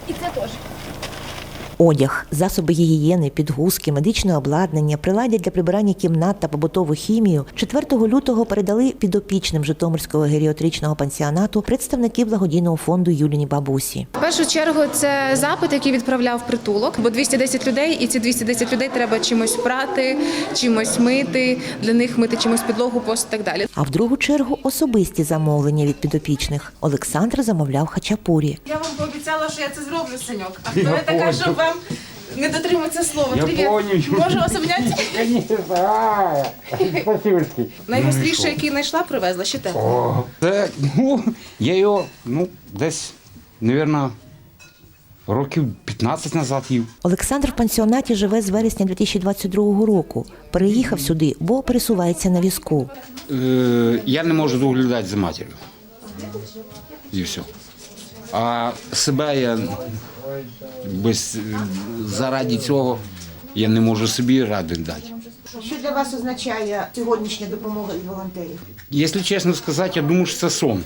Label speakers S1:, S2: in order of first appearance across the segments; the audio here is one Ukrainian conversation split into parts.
S1: І це теж.
S2: Одяг, засоби гігієни, підгузки, медичне обладнання, приладдя для прибирання кімнат та побутову хімію 4 лютого передали підопічним Житомирського геріатричного пансіонату представники благодійного фонду Юліні бабусі.
S1: В першу чергу це запит, який відправляв притулок, бо 210 людей, і ці 210 людей треба чимось прати, чимось мити, для них мити чимось підлогу, пост і так далі.
S2: А в другу чергу особисті замовлення від підопічних. Олександр замовляв хачапурі.
S1: Я вам пообіцяла, що я це зроблю, Саньок. А хто я така, щоб вам не дотриматися слова? Привіт. Можу вас обняти?
S3: Спасибо.
S1: Найгостріше, який знайшла, привезла. Ще те.
S3: Це, я його, десь, мабуть, років 15 назад їв.
S2: Олександр в пансіонаті живе з вересня 2022 року. Переїхав сюди, бо пересувається на візку.
S3: Я не можу доглядати за матір'ю. І все. А себе я заради цього я не можу собі ради дати.
S4: Що для вас означає сьогоднішня допомога від волонтерів?
S3: Якщо чесно сказати, я думаю, що це сон.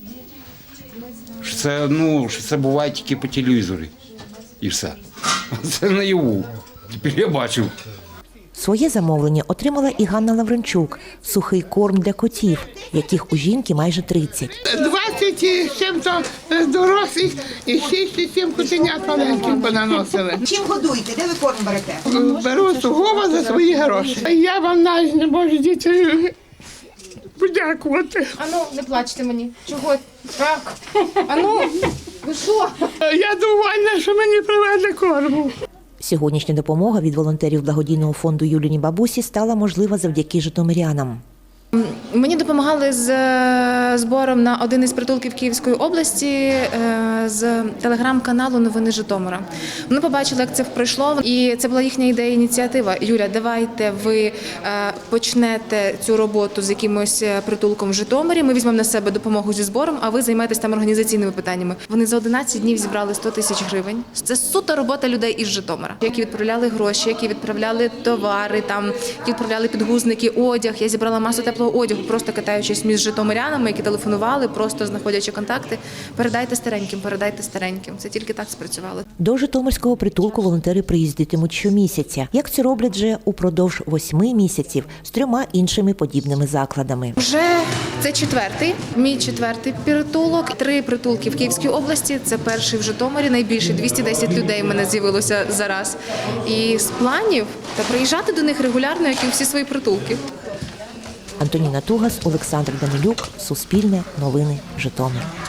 S3: Що це буває тільки по телевізорі. І все. А це наяву. Тепер я бачу.
S2: Своє замовлення отримала і Ганна Лавренчук – сухий корм для котів, яких у жінки майже 30.
S5: 20 з чим-то дорослих і 6-7 котенят маленьких понаносили.
S4: Чим годуєте? Де ви корм берете?
S5: Беру сугубо за свої гроші. Я вам навіть не можу діти подякувати.
S1: Ану, не плачте мені. Чого? Так. Ану, ви що?
S5: Я довольна, що мені привезли корму.
S2: Сьогоднішня допомога від волонтерів благодійного фонду Юліні бабусі стала можлива завдяки житомирянам.
S1: Мені допомагали з збором на один із притулків Київської області з телеграм-каналу «Новини Житомира». Вони побачили, як це пройшло, і це була їхня ідея, ініціатива. Юля, давайте ви почнете цю роботу з якимось притулком в Житомирі, ми візьмемо на себе допомогу зі збором, а ви займаєтесь там організаційними питаннями. Вони за 11 днів зібрали 100 тисяч гривень. Це суто робота людей із Житомира, які відправляли гроші, які відправляли товари, які відправляли підгузники, одяг. Я зібрала масу теплого одягу, просто катаючись між житомирянами, які телефонували, просто знаходячи контакти. Передайте стареньким. Це тільки так спрацювало.
S2: До житомирського притулку волонтери приїздитимуть щомісяця. Як це роблять вже упродовж 8 місяців з 3 іншими подібними закладами.
S1: Вже це мій четвертий притулок. 3 притулки в Київській області, це перший в Житомирі, найбільший, 210 людей в мене з'явилося зараз. І з планів приїжджати до них регулярно, як і всі свої притулки.
S2: Антоніна Тугас, Олександр Данилюк, Суспільне, Новини, Житомир.